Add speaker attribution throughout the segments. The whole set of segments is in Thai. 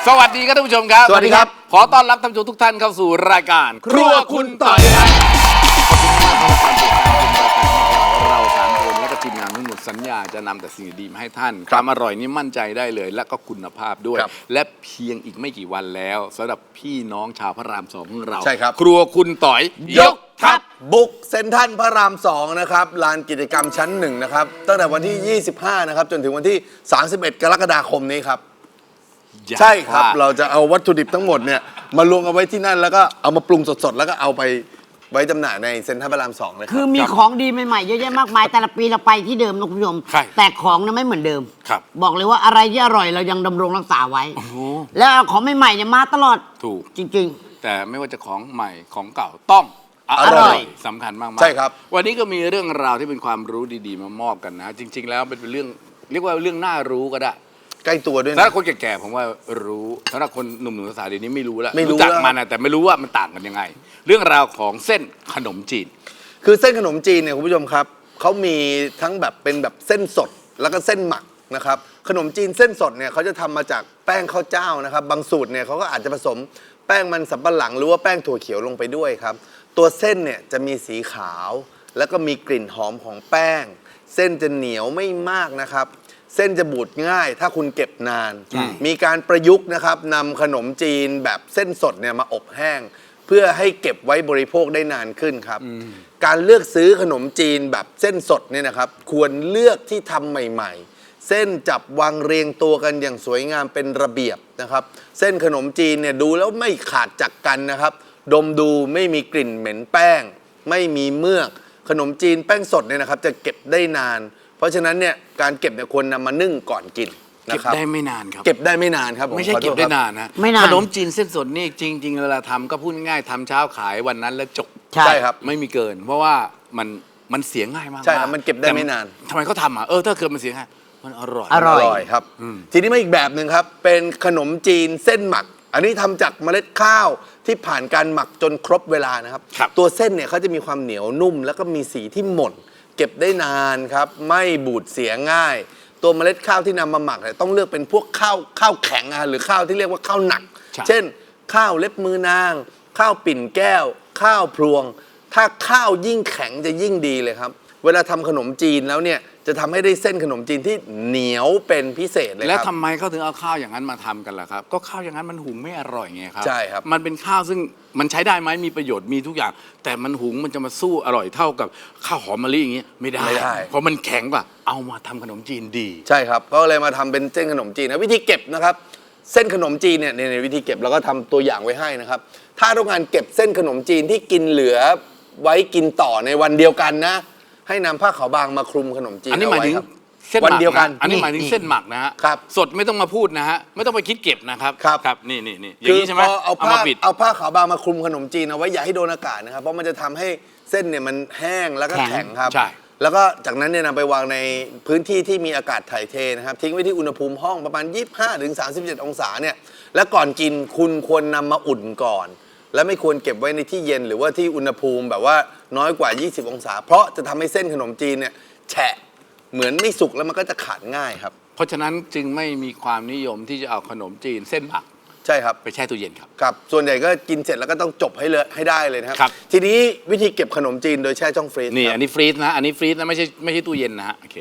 Speaker 1: สวัสดีครับท่านผู้ชมครับ
Speaker 2: สวัสดีครับ
Speaker 1: ขอต้อนรับท่านผู้ชมทุกท่านเข้าสู่รายการครัวคุณต่อยครับเราสามคนและก็ทีมงานทั้งหมดสัญญาจะนำแต่สิ่งดีๆมาให้ท่านความอร่อยนี้มั่นใจได้เลยและก็คุณภาพด้วย และเพียงอีกไม่กี่วันแล้วสำหรับพี่น้องชาวพระรามสองของเรา
Speaker 2: ใช่ครับ
Speaker 1: ครัวคุณต่อยยกทัพ
Speaker 2: บุกเซ็นทรัลพระราม2นะครับลานกิจกรรมชั้น1นะครับตั้งแต่วันที่ 25 นะครับจนถึงวันที่ 31 กรกฎาคมนี้ครับใช่ครับเราจะเอาวัตถุดิบทั้งหมดเนี่ยมารวมเอาไว้ที่นั่นแล้วก็เอามาปรุงสดๆแล้วก็เอาไปไว้จำหน่ายในเซ็นทรัลพระราม2เลยค
Speaker 3: คื
Speaker 2: รั
Speaker 3: อบ มีของดีใหม่ๆเยอะแยะมากมายแต่ละปีเราไปที่เดิมนะคุณผู้ชม
Speaker 1: ใช่
Speaker 3: แต่ของนั้นไม่เหมือนเดิม
Speaker 1: ครับ
Speaker 3: บอกเลยว่าอะไรที่อร่อยเรายังดำรงรักษาไว้ แล้วเอาของใหม่ๆเนี่ยมาตลอด
Speaker 1: ถูก
Speaker 3: จริง
Speaker 1: แต่ไม่ว่าจะของใหม่ของเก่าต้องอ
Speaker 2: อร่
Speaker 1: ร่อ
Speaker 2: อย ย
Speaker 1: สำคัญมากๆ
Speaker 2: ใช่ครับ
Speaker 1: วันนี้ก็มีเรื่องราวที่เป็นความรู้ดีๆมามอบกันนะ จริง ๆ แล้วเป็นเรื่องเรียกว่าเรื่องน่ารู้ก็ได้
Speaker 2: ใกล้ตัวด้วย
Speaker 1: สำหรั
Speaker 2: นะ
Speaker 1: บคนแก่ๆผมว่ารู้สำหรับคนหนุ่มๆสาวๆเดี๋ยวนี้ไม่รู้แล้ว
Speaker 2: ไม่รู้
Speaker 1: จัก
Speaker 2: แล้ว
Speaker 1: มันนะแต่ไม่รู้ว่ามันต่างกันยังไง เรื่องราวของเส้นขนมจีน
Speaker 2: คือเส้นขนมจีนเนี่ยคุณผู้ชมครับเขามีทั้งแบบเป็นแบบเส้นสดแล้วก็เส้นหมักนะครับขนมจีนเส้นสดเนี่ยเขาจะทำมาจากแป้งข้าวเจ้านะครับบางสูตรเนี่ยเขาก็อาจจะผสมแป้งมันสำปะหลังหรือว่าแป้งถั่วเขียวลงไปด้วยครับตัวเส้นเนี่ยจะมีสีขาวแล้วก็มีกลิ่นหอมของแป้ง เส้นจะเหนียวไม่มากนะครับเส้นจะบูดง่ายถ้าคุณเก็บนาน มีการประยุกต์นะครับนำขนมจีนแบบเส้นสดเนี่ยมาอบแห้ง เพื่อให้เก็บไว้บริโภคได้นานขึ้นครับการเลือกซื้อขนมจีนแบบเส้นสดเนี่ยนะครับควรเลือกที่ทำใหม่ๆ เส้นจับวางเรียงตัวกันอย่างสวยงามเป็นระเบียบนะครับเส้นขนมจีนเนี่ยดูแล้วไม่ขาดจากกันนะครับดมดูไม่มีกลิ่นเหม็นแป้ง ไม่มีเมือกขนมจีนแป้งสดเนี่ยนะครับจะเก็บได้นาน เพราะฉะนั้นเนี่ยการเก็บเนี่ยควรนำมานึ่งก่อนกิน
Speaker 1: เก็บ
Speaker 2: นะครับ
Speaker 1: ได้ไม่นานครับ
Speaker 2: เก็บได้ไม่นานครับผ
Speaker 1: ไม่ใช่
Speaker 2: ขอโท
Speaker 1: เก็
Speaker 2: ษ
Speaker 1: บได้
Speaker 2: ครับ
Speaker 1: นานนะ
Speaker 3: ไม่นาน
Speaker 1: ขนมจีนเส้นสดนี่จริงๆเวลาทำก็พูดง่ายๆทำเช้าขายวันนั้นแล้วจบ
Speaker 3: ๆ ใช่
Speaker 2: ใช่ครับ
Speaker 1: ไม่มีเกิน เพราะว่ามันเสียง่ายมากๆ
Speaker 2: ใช่ครับมันเก็บได้ไม่นาน
Speaker 1: ทำไมเขาทำอ่ะถ้าเกิดมันเสียง่ายมันอร่อย
Speaker 3: อร่อย
Speaker 2: ครับทีนี้มาอีกแบบหนึ่งครับเป็นขนมจีนเส้นหมัก อันนี้ทำจากเมล็ดข้าวที่ผ่านการหมักจนครบเวลานะครับ
Speaker 1: ครับ
Speaker 2: ตัวเส้นเนี่ยเขาจะมีความเหนียวนุ่ม แล้วก็มีสีที่หม่นเก็บได้นานครับไม่บูดเสียง่าย ตัวเมล็ดข้าวที่นำมาหมักเนี่ยต้องเลือกเป็นพวกข้าวแข็งหรือข้าวที่เรียกว่าข้าวหนัก
Speaker 1: ใช่
Speaker 2: เช่น ข้าวเล็บมือนาง ข้าวปิ่นแก้ว ข้าวพลวง ถ้าข้าวยิ่งแข็งจะยิ่งดีเลยครับ เวลาทำขนมจีนแล้วเนี่ยจะทำให้ได้เส้นขนมจีนที่เหนียวเป็นพิเศษเลย
Speaker 1: แล้ว
Speaker 2: ครับ
Speaker 1: ทำไมเขาถึงเอาข้าวอย่างนั้นมาทำกันล่ะครับ ก็ข้าวอย่างนั้นมันหุงไม่อร่อยไงครับ
Speaker 2: ใช่ครับ
Speaker 1: มันเป็นข้าวซึ่งมันใช้ได้ไหมมีประโยชน์มีทุกอย่าง แต่มันหุงมันจะมาสู้อร่อยเท่ากับข้าวหอมมะลิอย่างเงี้ยไม่ได้
Speaker 2: ไม่ได้
Speaker 1: เพราะมันแข็งกว่าเอามาทำขนมจีนดี
Speaker 2: ใช่ครับก็เลยมาทำเป็นเส้นขนมจีนนะวิธีเก็บนะครับเส้นขนมจีนเนี่ยในวิธีเก็บเราก็ทำตัวอย่างไว้ให้นะครับถ้าต้องการเก็บเส้นขนมจีนที่กินเหลือไว้กินต่อในวันเดียวกันนะให้นำผ้าขาวบางมาคลุมขนมจีน
Speaker 1: อันนี้หมายถึง
Speaker 2: เอไว้ครับ
Speaker 1: เส้นห
Speaker 2: วัน
Speaker 1: มัก
Speaker 2: เดียวกัน
Speaker 1: อันนี้หมายถึงเส้นหมักนะฮะ
Speaker 2: ครับ
Speaker 1: สดไม่ต้องมาพูดนะฮะไม่ต้องไปคิดเก็บนะครับ
Speaker 2: ครับ
Speaker 1: นี่อย่างนี้ใช่ไหม
Speaker 2: พอเอาผ้า
Speaker 1: มาปิด
Speaker 2: เอาผ้าขาวบางมาคลุมขนมจีนเอาไว้อย่าให้โดนอากาศนะครับเพราะมันจะทำให้เส้นเนี่ยมันแห้งแล้วก็แข็งครับ
Speaker 1: ใช่
Speaker 2: แล้วก็จากนั้นเนี่ยนำไปวางในพื้นที่ที่มีอากาศถ่ายเทนะครับทิ้งไว้ที่อุณหภูมิห้องประมาณ 25-37 องศาเนี่ยแล้วก่อนกินคุณควรนำมาอุ่นก่อน และไม่ควรเก็บไว้ในที่เย็นหรือว่าที่อุณหภูมิแบบว่าน้อยกว่า 20 องศา เพราะจะทำให้เส้นขนมจีนเนี่ยแฉะเหมือนไม่สุกแล้วมันก็จะขาดง่ายครับ
Speaker 1: เพราะฉะนั้นจึงไม่มีความนิยมที่จะเอาขนมจีนเส้นหมัก
Speaker 2: ใช่ครับ
Speaker 1: ไปแช่ตู้เย็นครับ
Speaker 2: ครับส่วนใหญ่ก็กินเสร็จแล้วก็ต้องจบให้ได้เลยนะครับ
Speaker 1: ครับ
Speaker 2: ทีนี้วิธีเก็บขนมจีนโดยแช่ช่องฟรีซ
Speaker 1: นี่
Speaker 2: ครับ
Speaker 1: อันนี้ฟรีซนะอันนี้ฟรีซนะไม่ใช่ตู้เย็นนะฮะโอเคน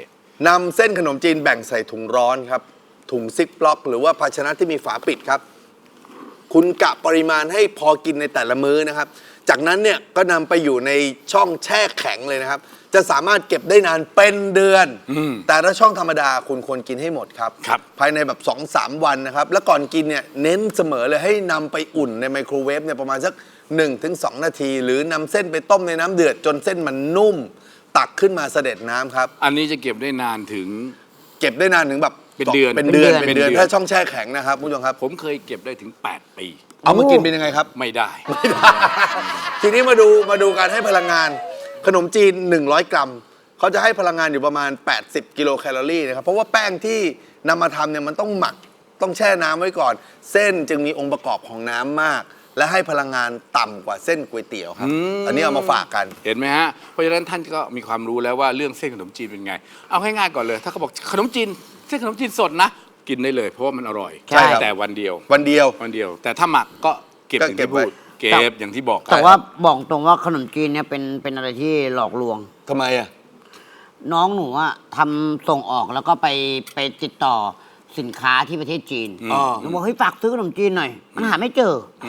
Speaker 2: ำเส้นขนมจีนแบ่งใส่ถุงร้อนครับถุงซิปล็อก หรือว่าภาชนะที่มีฝาปิดครับคุณกะปริมาณให้พอกินในแต่ละมื้อนะครับจากนั้นเนี่ยก็นำไปอยู่ในช่องแช่แข็งเลยนะครับจะสามารถเก็บได้นานเป็นเดือน แต่ถ้าช่องธรรมดาคุณควรกินให้หมดครับ
Speaker 1: ครับ
Speaker 2: ภายในแบบ 2-3 วันนะครับแล้วก่อนกินเนี่ยเน้นเสมอเลยให้นำไปอุ่นในไมโครเวฟเนี่ยประมาณสัก 1-2 นาที หรือนำเส้นไปต้มในน้ำเดือดจนเส้นมันนุ่ม ตักขึ้นมาเสด็จน้ำครับ
Speaker 1: อันนี้จะเก็บได้นานถึง
Speaker 2: เก็บได้นานถึงแบบ
Speaker 1: เป็นเดือน
Speaker 2: เป็นเดือน
Speaker 1: เป็นเดือน
Speaker 2: ถ้าช่องแช่แข็งนะครับคุณผู้ชมครับ
Speaker 1: ผมเคยเก็บได้ถึง 8 ปี
Speaker 2: เอามากินเป็นยังไงครับ
Speaker 1: ไม่ได้
Speaker 2: ทีนี้มาดูการให้พลังงานขนมจีน 100 กรัมเขาจะให้พลังงานอยู่ประมาณ 80 กิโลแคลอรี่นะครับเพราะว่าแป้งที่นำมาทำเนี่ยมันต้องหมักต้องแช่น้ำไว้ก่อน เส้นจึงมีองค์ประกอบของน้ำมาก และให้พลังงานต่ำกว่าเส้นก๋วยเตี๋ยวครับอันนี้เอามาฝากกัน
Speaker 1: เห็นไหมฮะเพราะฉะนั้นท่านก็มีความรู้แล้วว่าเรื่องเส้นขนมจีนเป็นไงเอาง่ายๆก่อนเลย ถ้าเขาบอกขนมจีนเส้นขนมจีนสดนะกินได้เลยเพราะว่ามันอร่อย
Speaker 3: ใช่ครับ
Speaker 1: แต่วันเดียว
Speaker 2: วันเดียว
Speaker 1: วันเดียว แต่ถ้าหมักก็เก็บ
Speaker 2: ก็
Speaker 1: อย่าง
Speaker 2: เก็บ
Speaker 1: ที่พูด
Speaker 2: ไว้
Speaker 1: เก็บอย่างที่บอก
Speaker 3: แต่ว่าบอกตรงว่าขนมจีนเนี่ยเป็นอะไรที่หลอกลวง
Speaker 2: ทำไมอ่ะ
Speaker 3: น้องหนูอะทำส่งออกแล้วก็ไปติดต่อสินค้าที่ประเทศจีน
Speaker 2: อ๋อ
Speaker 3: หนูบอกเฮ้ยฝากซื้อขนมจีนหน่อย มันหาไม่เจออ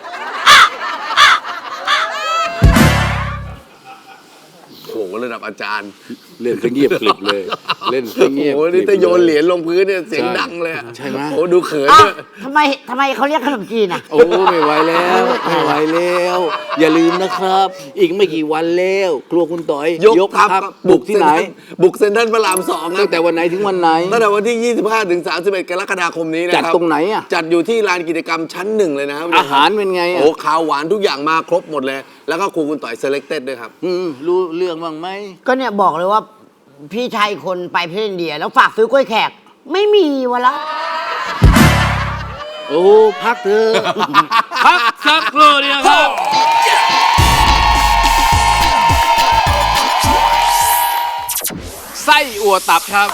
Speaker 2: โอ้โหระดับอาจารย์
Speaker 1: เล่นซะเงียบกริบเลย เล่นซะเงียบ
Speaker 2: โอ้โหนี่ถ้าโยนเหรียญลงพื้นเนี่ยเสียงดังเลยอะ
Speaker 1: ใช่ไหม
Speaker 2: โอ้โหดูเขิน
Speaker 3: อ้าว
Speaker 2: ด้วย
Speaker 3: ทำไมเขาเรียกขนมจีนอะ
Speaker 1: โอ้ไม่ไหวแล้วไม่ไหวแล้ว อย่าลืมนะครับ อีกไม่กี่วันแล้วครัวคุณต่อย
Speaker 2: ยกทัพครับ
Speaker 1: บุกที่ไหน
Speaker 2: บุกเซ็นทรัลพระราม2ครั
Speaker 1: ตั้
Speaker 2: บ
Speaker 1: งแต่วันไหนถึงวันไหน
Speaker 2: ตั้งแต่วันที่ 25 ถึง 31 กรกฎาคมนี้นะครับ
Speaker 1: จัดตรงไหนอะ
Speaker 2: จัดอยู่ที่ลานกิจกรรมชั้นหนึ่งเลยนะครับ
Speaker 1: อาหารเป็นไง
Speaker 2: โอ้
Speaker 1: อ่ะ
Speaker 2: ข้าวหวานทุกอย่างมาครบหมดเลย แล้วก็ครูคุณต่อยเซเล c เต็ดด้วยครับ
Speaker 1: รู้เรื่องบ้างไหม
Speaker 3: ก็เนี่ยบอกเลยว่าพี่ชายอีกคนไปประเทศอินเดีย แล้วฝากซื้อกล้วยแขก ไม่มีวะละ
Speaker 1: โอ้พักเถอะ พักสักครู่เดียวครับ ไส้อั่วตับครับ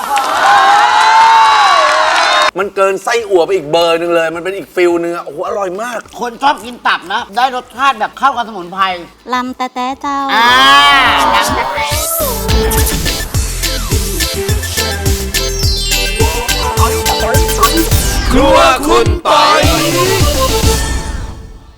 Speaker 2: มันเกินไส้อั่วไปอีกเบอร์หนึ่งเลย มันเป็นอีกฟิลนึงอะโอ้โหอร่อยมาก
Speaker 3: คนชอบกินตับนะ ได้รสชาติแบบเข้ากับสมุนไพร
Speaker 4: ลำแต่แต่เจ้า
Speaker 3: ดังแต่
Speaker 1: ครัวคุณต่อย